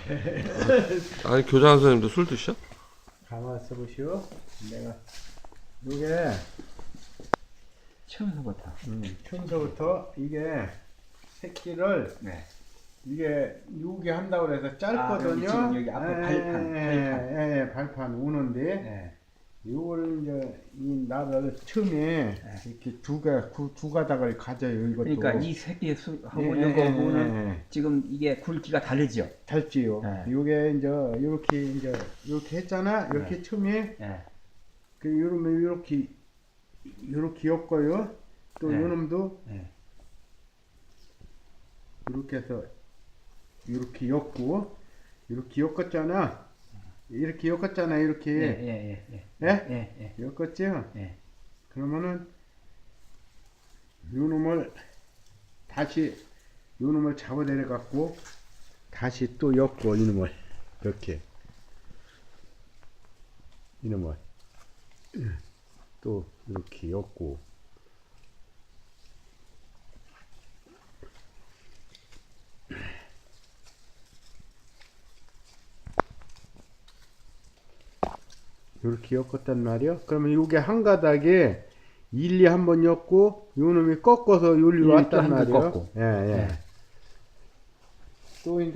아니 교장 선생님도 술 드셔? 가만 있어 보시오. 내가 요게 처음부터. 처음부터 이게 새끼를 이게 요게 한다고 해서 짧거든요. 지금 여기 앞에 발판. 예, 발판 우는데 요거를 이제 이 나를 처음에 이렇게 두 가닥을 가져요. 이것도. 그러니까 이 새끼 수하고 요거는 지금 이게 굵기가 다르죠. 달지요. 요게 이제 요렇게 했잖아. 이렇게 처음에 그 요놈을 요렇게 엮어요. 또 요놈도 이렇게 해서 이렇게 엮고 이렇게 엮었잖아. 이렇게 엮었잖아. 이렇게 엮었죠. 그러면은 요놈을 다시 요놈을 잡아내려 갖고 다시 또 엮고 이놈을 이렇게 이놈을 또 이렇게 엮고 이렇게 엮었단 말이요. 그러면 요게 한 가닥에 일리 한번 엮고 요놈이 꺾어서 요리로 왔단 말이요. 또 이제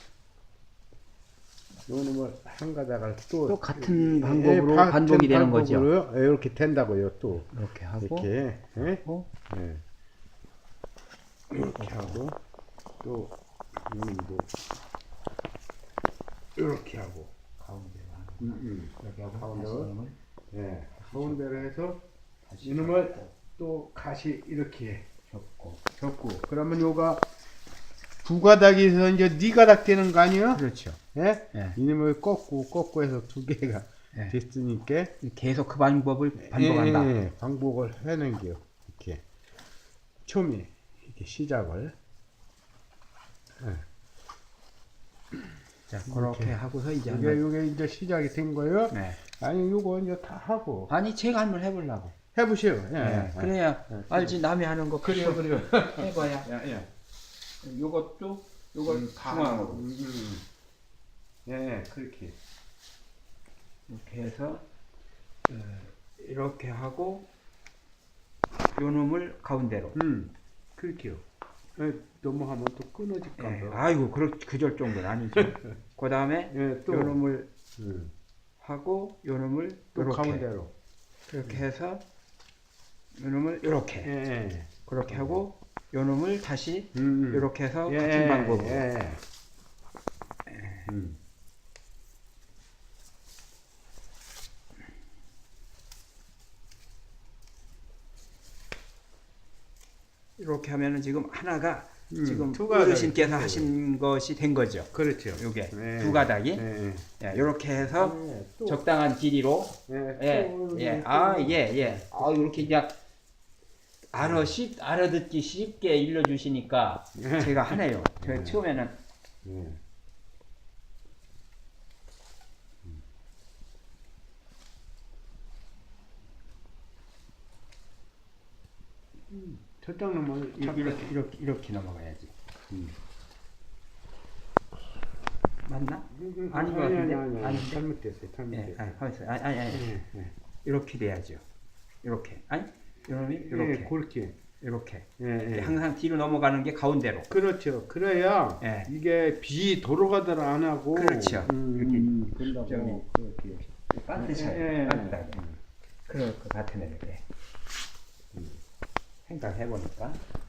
요놈을 한 가닥을 또 같은 방법으로 반복이 되는 거죠. 이렇게 된다고요. 또 이렇게 하고 이렇게 하고 이렇게 하고 또 요놈도 이렇게 하고 가운데로 이렇게 하고 가운데로 가운데로 해서 이놈을 또 가시 이렇게 접고 그러면 요가 두 가닥에서 이제 네 가닥 되는 거 아니에요? 그렇죠. 이놈을 꺾고 해서 두 개가 됐으니까 계속 그 방법을 반복한다. 반복을 하는 게요. 이렇게 처음에 이렇게 시작을 자, 그렇게 하고서 이제 요게 이제 시작이 된 거예요. 아니 요거 이제 다 하고 아니 제가 한번 해보려고. 해보시오. 그래야 알지. 남이 하는 거 그래요. 해봐야. 요것도 요걸 중앙으로 그렇게 이렇게 해서 이렇게 하고 요 놈을 가운데로. 그렇게요. 넘어가면 또 끊어질까 봐. 아이고 그럴 정도는 아니죠. 그 다음에 또 요 놈을 하고 요 놈을 또 요렇게 가운데로 이렇게 해서 요 놈을 요렇게 그렇게 하고 요 놈을 다시 요렇게 해서 같은 방법으로 이렇게 하면은 지금 하나가 지금 어르신께서 하신 것이 된 거죠. 그렇죠. 요게 두 가닥이 이렇게 해서 적당한 길이로 이렇게 이제 알아듣기 쉽게 일러주시니까 제가 하네요. 제가 처음에는 저쪽 놈을 이렇게 넘어가야지. 맞나? 아닌 것 같은데? 아닌데? 잘못됐어요. 아니. 이렇게 돼야죠. 이렇게. 아니? 이놈이 이렇게. 그렇게. 이렇게. 항상 뒤로 넘어가는 게 가운데로. 그렇죠. 그래야 이게 비 도로가들 안 하고. 그렇죠. 이렇게 된다고. 그렇게. 반드시 그럴 것 같으네. 생각해보니까.